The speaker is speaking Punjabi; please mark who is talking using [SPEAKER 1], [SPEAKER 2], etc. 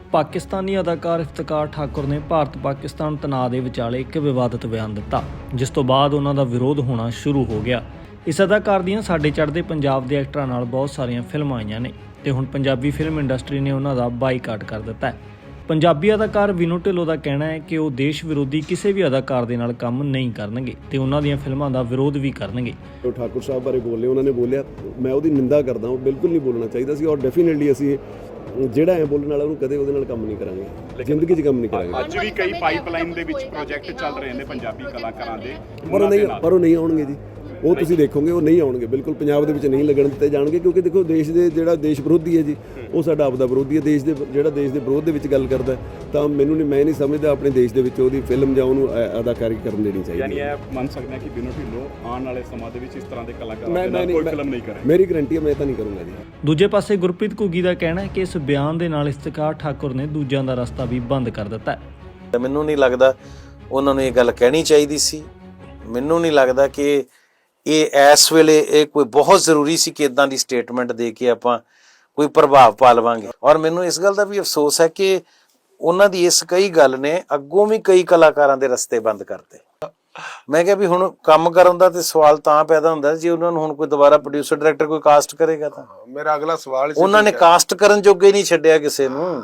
[SPEAKER 1] ਪਾਕਿਸਤਾਨੀ ਅਦਾਕਾਰ ਇਫਤਕਾਰ ਠਾਕੁਰ ਨੇ ਭਾਰਤ ਪਾਕਿਸਤਾਨ ਤਣਾਅ ਦੇ ਵਿਚਾਲੇ ਇੱਕ ਵਿਵਾਦਤ ਬਿਆਨ ਦਿੱਤਾ, ਜਿਸ ਤੋਂ ਬਾਅਦ ਉਹਨਾਂ ਦਾ ਵਿਰੋਧ ਹੋਣਾ ਸ਼ੁਰੂ ਹੋ ਗਿਆ। ਇਸ ਅਦਾਕਾਰ ਦੀਆਂ ਸਾਡੇ ਚੜ੍ਹਦੇ ਪੰਜਾਬ ਦੇ ਐਕਟਰਾਂ ਨਾਲ ਬਹੁਤ ਸਾਰੀਆਂ ਫਿਲਮਾਂ ਆਈਆਂ ਨੇ ਤੇ ਹੁਣ ਪੰਜਾਬੀ ਫਿਲਮ ਇੰਡਸਟਰੀ ਨੇ ਉਹਨਾਂ ਦਾ ਬਾਈਕਾਟ ਕਰ ਦਿੱਤਾ ਹੈ। ਪੰਜਾਬੀ ਅਦਾਕਾਰ ਵਿਨੋ ਢਿੱਲੋਂ ਦਾ ਕਹਿਣਾ ਹੈ ਕਿ ਉਹ ਦੇਸ਼ ਵਿਰੋਧੀ ਕਿਸੇ ਵੀ ਅਦਾਕਾਰ ਦੇ ਨਾਲ ਕੰਮ ਨਹੀਂ ਕਰਨਗੇ ਤੇ ਉਹਨਾਂ ਦੀਆਂ ਫਿਲਮਾਂ ਦਾ ਵਿਰੋਧ ਵੀ ਕਰਨਗੇ।
[SPEAKER 2] ਠਾਕੁਰ ਸਾਹਿਬ ਬਾਰੇ ਬੋਲੇ, ਉਹਨਾਂ ਨੇ ਬੋਲਿਆ, ਮੈਂ ਉਹਦੀ ਨਿੰਦਾ ਕਰਦਾ, ਉਹ ਬਿਲਕੁਲ ਨਹੀਂ ਬੋਲਣਾ ਚਾਹੀਦਾ ਸੀ ਔਰ ਡੈਫੀਨਿਟਲੀ ਅਸੀਂ ਜਿਹੜਾ ਐ ਬੋਲਣ ਵਾਲਾ ਉਹਨੂੰ ਕਦੇ ਉਹਦੇ ਨਾਲ ਕੰਮ ਨਹੀਂ ਕਰਾਂਗੇ, ਜ਼ਿੰਦਗੀ 'ਚ ਕੰਮ ਨਹੀਂ ਕਰਾਂਗੇ।
[SPEAKER 3] ਅੱਜ ਵੀ ਕਈ ਪਾਈਪਲਾਈਨ ਦੇ ਵਿੱਚ ਪ੍ਰੋਜੈਕਟ ਚੱਲ ਰਹੇ ਨੇ ਪੰਜਾਬੀ ਕਲਾਕਾਰਾਂ ਦੇ,
[SPEAKER 2] ਪਰ ਉਹ ਨਹੀਂ ਆਉਣਗੇ ਜੀ, ਉਹ ਤੁਸੀਂ ਦੇਖੋਗੇ ਉਹ ਨਹੀਂ ਆਉਣਗੇ, ਬਿਲਕੁਲ ਪੰਜਾਬ ਦੇ ਵਿੱਚ ਨਹੀਂ ਲੱਗਣ ਦਿੱਤੇ ਜਾਣਗੇ, ਕਿਉਂਕਿ ਦੇਖੋ ਦੇਸ਼ ਦੇ ਜਿਹੜਾ ਦੇਸ਼ ਵਿਰੋਧੀ ਹੈ ਜੀ, ਉਹ ਸਾਡਾ ਆਪਦਾ ਵਿਰੋਧੀ ਹੈ। ਦੇਸ਼ ਦੇ ਜਿਹੜਾ ਦੇਸ਼ ਦੇ ਵਿਰੋਧ ਦੇ ਵਿੱਚ ਗੱਲ ਕਰਦਾ ਤਾਂ ਮੈਂ ਨਹੀਂ ਸਮਝਦਾ ਆਪਣੇ ਦੇਸ਼ ਦੇ ਵਿੱਚ ਉਹਦੀ ਫਿਲਮ ਜਾਂ ਉਹਨੂੰ ਅਦਾਕਾਰੀ ਕਰਨ ਦੇਣੀ ਚਾਹੀਦੀ।
[SPEAKER 3] ਯਾਨੀ ਇਹ ਮੰਨ ਸਕਦੇ ਹਾਂ ਕਿ ਵਿਨੋ ਢਿੱਲੋਂ ਆਉਣ ਵਾਲੇ ਸਮਾਂ ਦੇ ਵਿੱਚ ਇਸ ਤਰ੍ਹਾਂ ਦੇ ਕਲਾਕਾਰਾਂ ਦੇ ਨਾਲ ਕੋਈ ਫਿਲਮ ਨਹੀਂ ਕਰੇ।
[SPEAKER 2] ਮੇਰੀ ਗਰੰਟੀ ਹੈ ਮੈਂ ਤਾਂ ਨਹੀਂ ਕਰੂੰਗਾ ਜੀ।
[SPEAKER 1] ਦੂਜੇ ਪਾਸੇ ਗੁਰਪ੍ਰੀਤ ਘੁੱਗੀ ਦਾ ਕਹਿਣਾ ਹੈ ਕਿ ਇਸ ਬਿਆਨ ਦੇ ਨਾਲ ਇਫਤਕਾਰ ਠਾਕੁਰ ਨੇ ਦੂਜਿਆਂ ਦਾ ਰਸਤਾ ਵੀ ਬੰਦ ਕਰ ਦਿੱਤਾ ਹੈ।
[SPEAKER 4] ਮੈਨੂੰ ਨਹੀਂ ਲੱਗਦਾ ਉਹਨਾਂ ਨੂੰ ਇਹ ਗੱਲ ਕਹਿਣੀ ਚਾਹੀਦੀ ਸੀ। ਮੈਨੂੰ ਨਹੀਂ ਲੱਗਦਾ ਕਿ ਇਹ ਇਸ ਵੇਲੇ ਇਹ ਕੋਈ ਬਹੁਤ ਜ਼ਰੂਰੀ ਸੀ ਕਿ ਇਦਾਂ ਦੀ ਸਟੇਟਮੈਂਟ ਦੇ ਕੇ ਆਪਾਂ ਕੋਈ ਪ੍ਰਭਾਵ ਪਾ ਲਵਾਂਗੇ। ਔਰ ਮੈਨੂੰ ਇਸ ਗੱਲ ਦਾ ਵੀ ਅਫਸੋਸ ਹੈ ਕਿ ਉਹਨਾਂ ਦੀ ਇਸ ਕਈ ਗੱਲ ਨੇ ਅੱਗੋਂ ਵੀ ਕਈ ਕਲਾਕਾਰਾਂ ਦੇ ਰਸਤੇ ਬੰਦ ਕਰਤੇ। ਮੈਂ ਕਿਹਾ ਵੀ ਹੁਣ ਕੰਮ ਕਰਨ ਦਾ ਤੇ ਸਵਾਲ ਤਾਂ ਪੈਦਾ ਹੁੰਦਾ ਜੇ ਉਹਨਾਂ ਨੂੰ ਹੁਣ ਕੋਈ ਦੁਬਾਰਾ ਪ੍ਰੋਡਿਊਸਰ ਡਾਇਰੈਕਟਰ ਕੋਈ ਕਾਸਟ ਕਰੇਗਾ ਤਾਂ।
[SPEAKER 5] ਮੇਰਾ ਅਗਲਾ ਸਵਾਲ
[SPEAKER 4] ਉਹਨਾਂ ਨੇ ਕਾਸਟ ਕਰਨ ਜੋਗੇ ਨਹੀਂ ਛੱਡਿਆ ਕਿਸੇ ਨੂੰ।